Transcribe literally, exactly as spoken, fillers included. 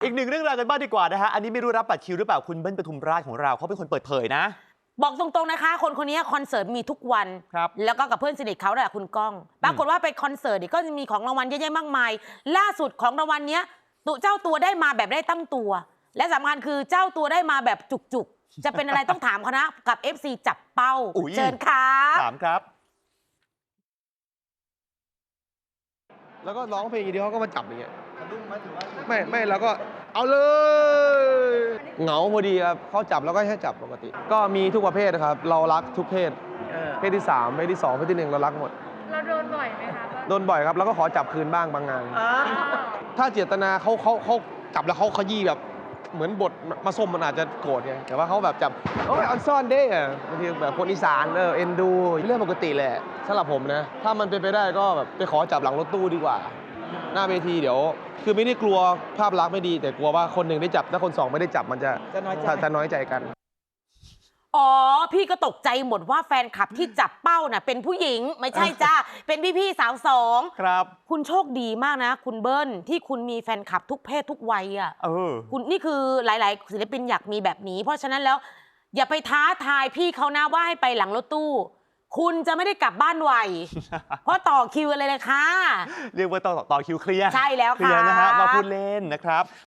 อีกหนึ่งเรื่องราวกันบ้างดีกว่านะฮะอันนี้ไม่รู้รับบัตรคิวหรือเปล่าคุณเบิ้ลปทุมราชของเราเขาเป็นคนเปิดเผยนะบอกตรงๆนะคะคนคนนี้คอนเสิร์ตมีทุกวันแล้วก็กับเพื่อนสนิทเขาแหละคุณก้องปรากฏว่าไปคอนเสิร์ตก็จะมีของรางวัลเยอะแยะมากมายล่าสุดของรางวัลเนี้ยตัวเจ้าตัวได้มาแบบได้ตั้งตัวและสำคัญคือเจ้าตัวได้มาแบบจุกๆจะเป็นอะไรต้องถามเขานะกับ เอฟ ซี จับเป้าเชิญครับถามครับแล้วก็ร้องเพลงอย่างเดียวเขาก็มาจับอย่างเงี้ยไม่ไม่เราก็เอาเลยเหงาพอดีครับเขาจับแล้วก็ให้จับปกติก็มีทุกประเภทครับเรารักทุกเพศเพศที่สามเพศที่สองเพศที่หนึ่งเรารักหมดเราโดนบ่อยไหมคะโดนบ่อยครับแล้วก็ขอจับคืนบ้างบางงานถ้าเจตนาเขาเขาเขาจับแล้วเขาขยี้แบบเหมือนบทมาส้มมันอาจจะโกรธไงแต่ว่าเขาแบบจับโอ้ยออนซ่อนเด้อะบางทีแบบคนอีสานเออเอ็นดูเรื่องปกติแหละสำหรับผมนะถ้ามันเป็นไปได้ก็แบบไปขอจับหลังรถตู้ดีกว่าหน้าเวทีเดี๋ยวคือไม่ได้กลัวภาพลักษณ์ไม่ดีแต่กลัวว่าคนหนึ่งได้จับถ้าคนสองไม่ได้จับมันจะจะน้อยใจจะน้อยใจกันอ๋อพี่ก็ตกใจหมดว่าแฟนคลับที่จับเป้าน่ะเป็นผู้หญิงไม่ใช่จ้าเป็นพี่ๆสาวสองครับคุณโชคดีมากนะคุณเบิ้ลที่คุณมีแฟนคลับทุกเพศทุกวัยอ่ะเออคุณนี่คือหลายๆศิลปินอยากมีแบบนี้เพราะฉะนั้นแล้วอย่าไปท้าทายพี่เขานะว่าให้ไปหลังรถตู้คุณจะไม่ได้กลับบ้านไว เพราะต่อคิวอะไรเลยค่ะเรียกว่าต่อต่อคิวเคลียร์ใช่แล้วค่ะเคลียร์นะฮะมาพูดเล่นนะครับ